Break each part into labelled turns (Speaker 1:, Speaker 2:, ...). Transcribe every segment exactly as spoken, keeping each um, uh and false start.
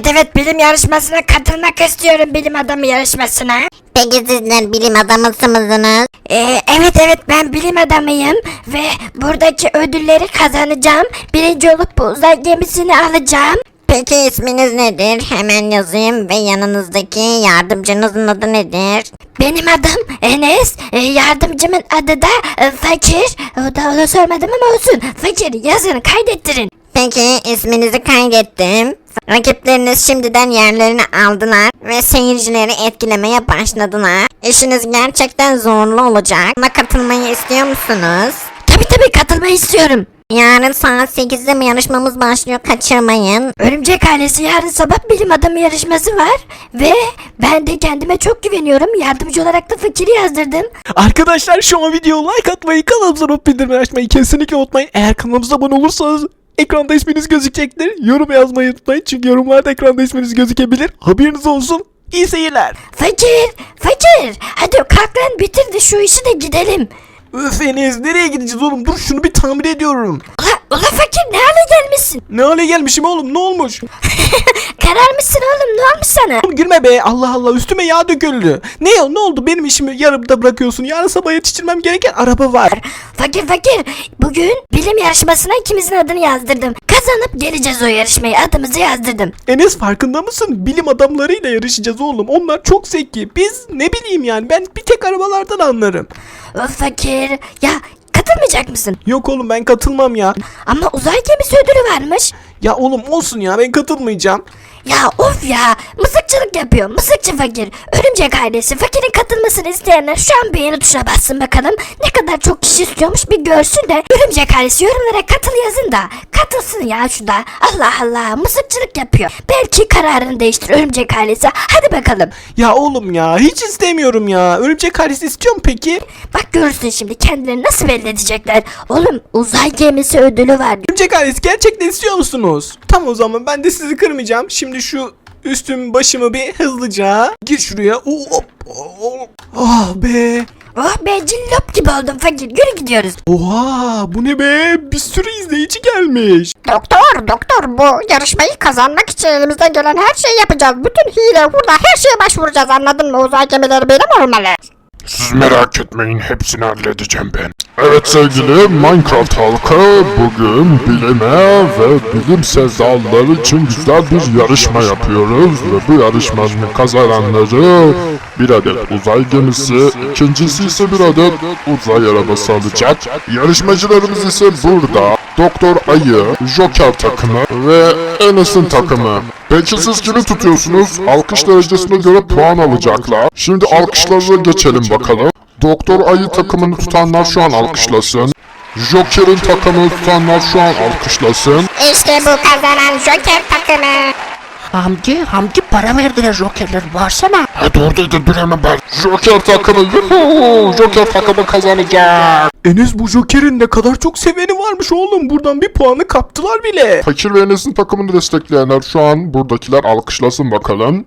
Speaker 1: Evet evet, bilim yarışmasına katılmak istiyorum, bilim adamı yarışmasına.
Speaker 2: Peki sizler bilim adamı mısınız?
Speaker 1: Ee, evet evet, ben bilim adamıyım ve buradaki ödülleri kazanacağım. Birinci olup bu uzay gemisini alacağım.
Speaker 2: Peki isminiz nedir? Hemen yazayım ve yanınızdaki yardımcınızın adı nedir?
Speaker 1: Benim adım Enes, ee, yardımcımın adı da e, Fakir. O da onu sormadım ama olsun. Fakir yazın, kaydettirin.
Speaker 2: Peki isminizi kaydettim. Rakipleriniz şimdiden yerlerini aldılar ve seyircileri etkilemeye başladılar. İşiniz gerçekten zorlu olacak ama katılmayı istiyor musunuz?
Speaker 1: Tabii tabii, katılmayı istiyorum.
Speaker 2: Yarın saat sekizde mi yarışmamız başlıyor, kaçırmayın.
Speaker 1: Örümcek ailesi yarın sabah bilim adamı yarışması var ve ben de kendime çok güveniyorum. Yardımcı olarak da Fakir'i yazdırdım.
Speaker 3: Arkadaşlar şu an videoya like atmayı, kanalımıza not bildirimleri açmayı kesinlikle unutmayın. Eğer kanalımıza abone olursanız ekranda isminiz gözükecektir. Yorum yazmayı unutmayın çünkü yorumlarda ekranda isminiz gözükebilir. Haberiniz olsun. İyi seyirler.
Speaker 1: Fakir, Fakir, hadi kalk lan, bitir de şu işi de gidelim.
Speaker 3: Öf Enes, nereye gideceğiz oğlum? Dur şunu bir tamir ediyorum.
Speaker 1: Ula, ula Fakir, ne hale gelmişsin?
Speaker 3: Ne hale gelmişim oğlum, ne olmuş?
Speaker 1: Kararmışsın oğlum, ne olmuş sana?
Speaker 3: Oğlum gülme be, Allah Allah, üstüme yağ döküldü. Ne ya, ne oldu, benim işimi yarımda bırakıyorsun? Yarın sabah yetiştirmem gereken araba var.
Speaker 1: Fakir Fakir, bugün bilim yarışmasına ikimizin adını yazdırdım. Kazanıp geleceğiz o yarışmayı, adımızı yazdırdım.
Speaker 3: Enes, farkında mısın? Bilim adamlarıyla yarışacağız oğlum. Onlar çok zeki. Biz ne bileyim yani, ben bir tek arabalardan anlarım.
Speaker 1: Of Fakir, ya katılmayacak mısın?
Speaker 3: Yok oğlum, ben katılmam ya.
Speaker 1: Ama uzay gemisi ödülü varmış.
Speaker 3: Ya oğlum olsun ya, ben katılmayacağım.
Speaker 1: Ya of ya, mızıkçılık yapıyor, mızıkçı Fakir. Örümcek ailesi, Fakir'in katılmasını isteyenler şu an beğeni tuşuna bassın bakalım. Ne kadar çok kişi istiyormuş bir görsün de Örümcek ailesi yorumlara katıl yazın da katılsın ya şu da. Allah Allah, mızıkçılık yapıyor. Belki kararını değiştir Örümcek ailesi. Hadi bakalım.
Speaker 3: Ya oğlum ya, hiç istemiyorum ya. Örümcek ailesi istiyor mu peki?
Speaker 1: Bak görürsün şimdi kendilerini nasıl belli edecekler. Oğlum uzay gemisi ödülü var.
Speaker 3: Örümcek ailesi gerçekten istiyor musunuz? Tamam, o zaman ben de sizi kırmayacağım. Şimdi şu üstüm başımı bir hızlıca gir şuraya. Hop, hop. Ah be.
Speaker 1: Oh be, cillop gibi oldum Fakir. Yürü gidiyoruz.
Speaker 3: Oha, bu ne be? Bir sürü izleyici gelmiş.
Speaker 2: Doktor, doktor, bu yarışmayı kazanmak için elimizden gelen her şeyi yapacağız. Bütün hile, hurda, her şeye başvuracağız, anladın mı? Uzay gemileri benim olmalı.
Speaker 4: Siz merak etmeyin, hepsini halledeceğim ben. Evet sevgili Minecraft halkı, bugün bilime ve bilimsel dallar için güzel bir yarışma yapıyoruz ve bu yarışmanın kazananları bir adet uzay gemisi, ikincisi ise bir adet uzay arabası alacak. Yarışmacılarımız ise burada Doktor Ayı, Joker takımı ve Enes'in takımı. Peki siz kimi tutuyorsunuz? Alkış derecesine göre puan alacaklar. Şimdi alkışlarına geçelim bakalım. Doktor Ayı takımını tutanlar şu an alkışlasın. Joker'in takımını tutanlar şu an alkışlasın.
Speaker 2: İşte bu kazanan Joker takımı.
Speaker 5: Hamdi, Hamdi para verdiler Joker'ler, varsana.
Speaker 4: Hadi oradaydı, dur hemen ben. Joker takımı, yuhuu! Joker takımı kazanacak.
Speaker 3: Enes, bu Joker'in ne kadar çok seveni varmış oğlum. Buradan bir puanı kaptılar bile.
Speaker 4: Fakir ve Enes'in takımını destekleyenler şu an buradakiler alkışlasın bakalım.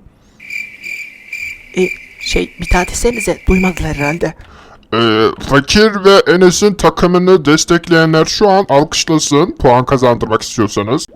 Speaker 3: E, şey bir daha desenize, duymadılar herhalde.
Speaker 4: Ee, Fakir ve Enes'in takımını destekleyenler şu an alkışlasın, puan kazandırmak istiyorsanız.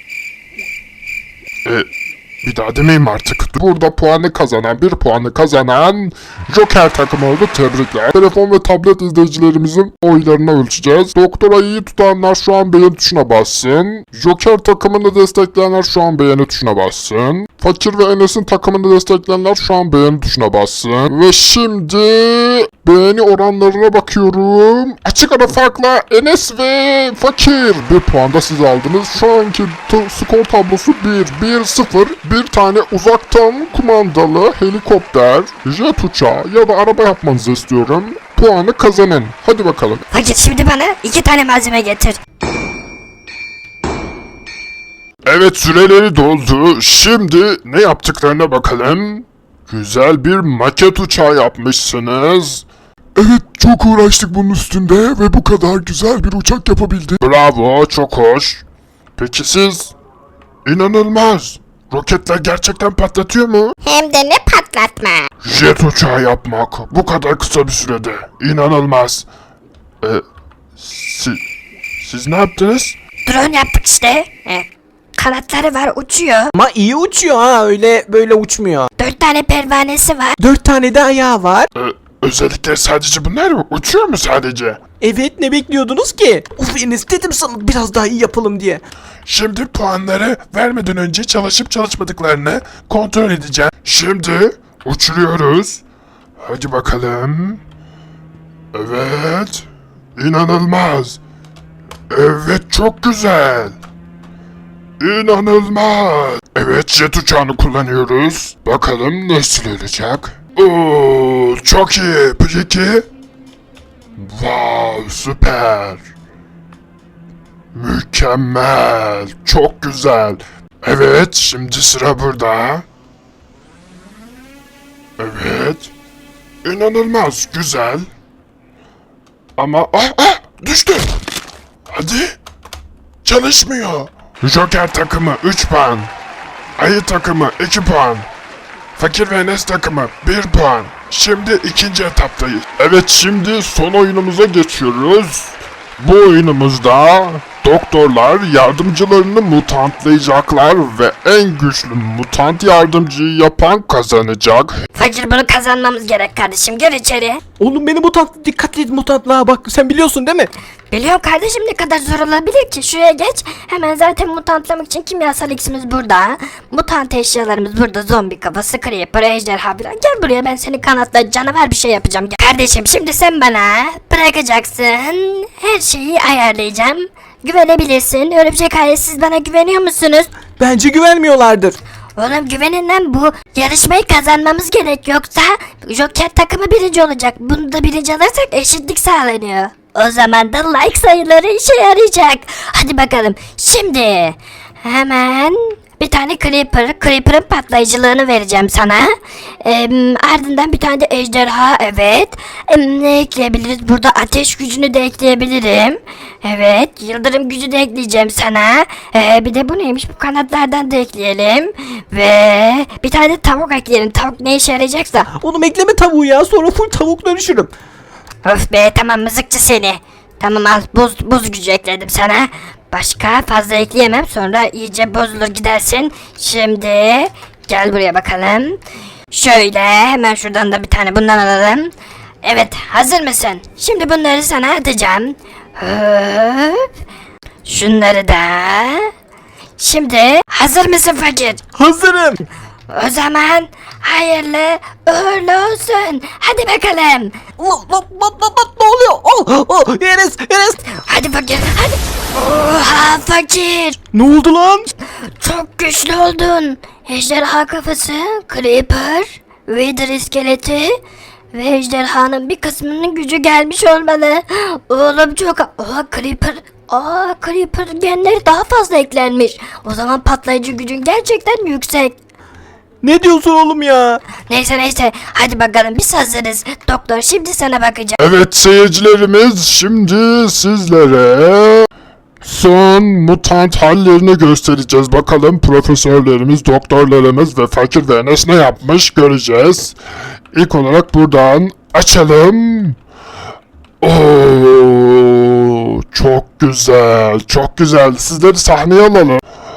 Speaker 4: Ee, bir daha demeyeyim artık. Burada puanı kazanan, bir puanı kazanan Joker takımı oldu, tebrikler. Telefon ve tablet izleyicilerimizin oylarını ölçeceğiz. Doktor Ayı'yı tutanlar şu an beğeni tuşuna bassın. Joker takımını destekleyenler şu an beğeni tuşuna bassın. Fakir ve Enes'in takımını destekleyenler şu an beğeni tuşuna bassın. Ve şimdi beğeni oranlarına bakıyorum. Açık ara farkla Enes ve Fakir bir puan da siz aldınız. Şu anki skor tablosu bir bir sıfır. Bir tane uzaktan kumandalı helikopter, jet uçağı ya da araba yapmanızı istiyorum. Puanı kazanın. Hadi bakalım.
Speaker 1: Fakir, şimdi bana iki tane malzeme getir.
Speaker 4: Evet, süreleri doldu. Şimdi ne yaptıklarına bakalım. Güzel bir maket uçağı yapmışsınız.
Speaker 6: Evet, çok uğraştık bunun üstünde ve bu kadar güzel bir uçak yapabildik.
Speaker 4: Bravo, çok hoş. Peki siz? İnanılmaz. Roketler gerçekten patlatıyor mu?
Speaker 2: Hem de ne patlatma.
Speaker 4: Jet uçağı yapmak bu kadar kısa bir sürede. İnanılmaz. Ee, si, siz ne yaptınız?
Speaker 1: Drone yaptık işte.
Speaker 2: E,
Speaker 1: kanatları var, uçuyor.
Speaker 3: Ama iyi uçuyor ha, öyle böyle uçmuyor.
Speaker 1: Dört tane pervanesi var.
Speaker 3: Dört tane de ayağı var.
Speaker 4: Ee, özellikle sadece bunlar mı? Uçuyor mu sadece?
Speaker 3: Evet, ne bekliyordunuz ki? Uf Enes, dedim sana biraz daha iyi yapalım diye.
Speaker 4: Şimdi puanları vermeden önce çalışıp çalışmadıklarını kontrol edeceğim. Şimdi uçuruyoruz. Hadi bakalım. Evet. İnanılmaz. Evet, çok güzel. İnanılmaz. Evet, jet uçağını kullanıyoruz. Bakalım nasıl olacak. Oo, çok iyi. Peki. Wow, süper. Mükemmel. Çok güzel. Evet, şimdi sıra burada. Evet. İnanılmaz güzel. Ama ah ah düştü. Hadi. Çalışmıyor. Joker takımı üç puan. Ayı takımı iki puan. Fakir ve Enes takımı bir puan. Şimdi ikinci etaptayız. Evet, şimdi son oyunumuza geçiyoruz. Bu oyunumuzda doktorlar yardımcılarını mutantlayacaklar ve en güçlü mutant yardımcıyı yapan kazanacak.
Speaker 1: Fakir, bunu kazanmamız gerek kardeşim, gir içeri.
Speaker 3: Oğlum beni mutant, dikkat et mutantlığa bak, sen biliyorsun değil mi?
Speaker 1: Biliyorum kardeşim, ne kadar zor olabilir ki? Şuraya geç. Hemen zaten mutantlamak için kimyasal iksimiz burada. Mutant eşyalarımız burada. Zombi kafası, creeper, ejderha falan. Gel buraya, ben seni kanatla canavar bir şey yapacağım. Gel. Kardeşim, şimdi sen bana bırakacaksın. Her şeyi ayarlayacağım. Güvenebilirsin. Örümcek ailesi, siz bana güveniyor musunuz?
Speaker 3: Bence güvenmiyorlardır.
Speaker 1: Oğlum güvenin lan, bu yarışmayı kazanmamız gerek, yoksa Joker takımı birinci olacak. Bunu da birinci alırsak eşitlik sağlanıyor. O zaman da like sayıları işe yarayacak. Hadi bakalım. Şimdi hemen bir tane Creeper, Creeper'ın patlayıcılığını vereceğim sana. Ee, ardından bir tane de ejderha, evet. Ee, ne ekleyebiliriz? Burada ateş gücünü de ekleyebilirim. Evet, yıldırım gücü de ekleyeceğim sana. Ee, bir de bu neymiş? Bu kanatlardan da ekleyelim. Ve bir tane de tavuk ekleyelim. Tavuk ne işe yarayacaksa.
Speaker 3: Oğlum ekleme tavuğu ya, sonra full tavuk dönüşürüm.
Speaker 1: Öf be, tamam mızıkçı seni. Tamam, al, buz, buz gücü ekledim sana. Başka fazla ekleyemem, sonra iyice bozulur gidersin. Şimdi gel buraya bakalım. Şöyle hemen şuradan da bir tane bundan alalım. Evet, hazır mısın? Şimdi bunları sana atacağım. Hop. Şunları da. Şimdi hazır mısın fakir?
Speaker 3: Hazırım.
Speaker 1: O zaman hayırlı uğurlu olsun. Hadi bakalım.
Speaker 3: Lan lan lan lan lan, ne oluyor? Oh, oh, Enes, Enes.
Speaker 1: Hadi fakir, hadi. Oha fakir.
Speaker 3: Ne oldu lan?
Speaker 1: Çok güçlü oldun. Ejderha kafası, Creeper, Wither iskeleti ve ejderhanın bir kısmının gücü gelmiş olmalı. Oğlum çok... Oha Creeper... Aa Creeper genleri daha fazla eklenmiş. O zaman patlayıcı gücün gerçekten yüksek.
Speaker 3: Ne diyorsun oğlum ya?
Speaker 1: Neyse neyse, hadi bakalım, biz hazırız. Doktor şimdi sana bakacağım.
Speaker 4: Evet seyircilerimiz, şimdi sizlere son mutant hallerini göstereceğiz. Bakalım profesörlerimiz, doktorlarımız ve Fakir ve Enes ne yapmış göreceğiz. İlk olarak buradan açalım. Oo, çok güzel, çok güzel. Sizleri sahneye alalım.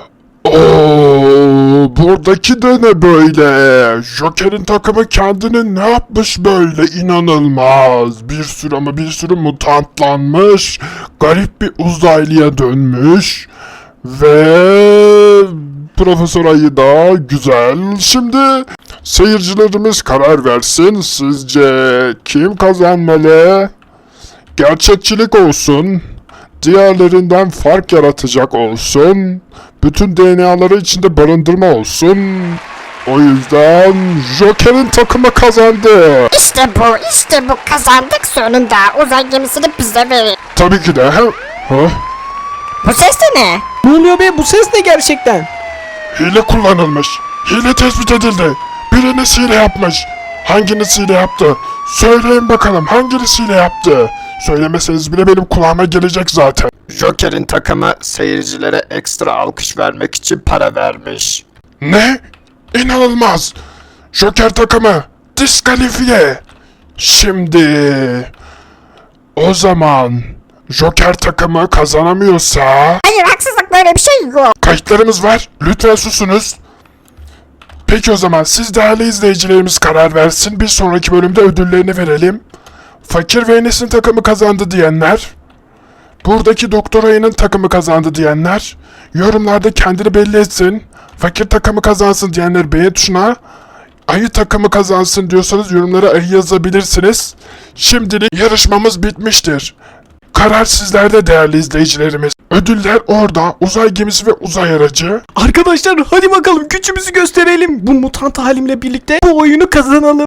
Speaker 4: Oo, buradaki de ne böyle? Joker'in takımı kendini ne yapmış böyle? İnanılmaz. Bir sürü ama bir sürü mutantlanmış. Garip bir uzaylıya dönmüş. Ve Profesör Ayı da güzel. Şimdi seyircilerimiz karar versin. Sizce kim kazanmalı? Gerçekçilik olsun. Diğerlerinden fark yaratacak olsun. Bütün D N A'ları içinde barındırma olsun. O yüzden Joker'in takımı kazandı.
Speaker 2: İşte bu, işte bu, kazandık sonunda. Uzay gemisini bize verin.
Speaker 4: Tabii ki de. Ha?
Speaker 2: Bu ses de ne?
Speaker 3: Ne oluyor be, bu ses ne gerçekten?
Speaker 4: Hile kullanılmış. Hile tespit edildi. Biriniz hile yapmış. Hanginiz hile yaptı? Söyleyin bakalım, hanginiz hile yaptı? Söylemeseniz bile benim kulağıma gelecek zaten.
Speaker 7: Joker'in takımı seyircilere ekstra alkış vermek için para vermiş.
Speaker 4: Ne? İnanılmaz. Joker takımı diskalifiye. Şimdi o zaman Joker takımı kazanamıyorsa...
Speaker 2: Hayır, haksızlık, böyle bir şey yok.
Speaker 4: Kayıtlarımız var. Lütfen susunuz. Peki o zaman siz değerli izleyicilerimiz karar versin. Bir sonraki bölümde ödüllerini verelim. Fakir ve Enes'in takımı kazandı diyenler. Buradaki Doktor Ayı'nın takımı kazandı diyenler. Yorumlarda kendini belli etsin. Fakir takımı kazansın diyenler beğen tuşuna. Ayı takımı kazansın diyorsanız yorumlara ayı yazabilirsiniz. Şimdilik yarışmamız bitmiştir. Karar sizlerde değerli izleyicilerimiz. Ödüller orada. Uzay gemisi ve uzay aracı.
Speaker 3: Arkadaşlar hadi bakalım gücümüzü gösterelim. Bu mutant halimle birlikte bu oyunu kazanalım.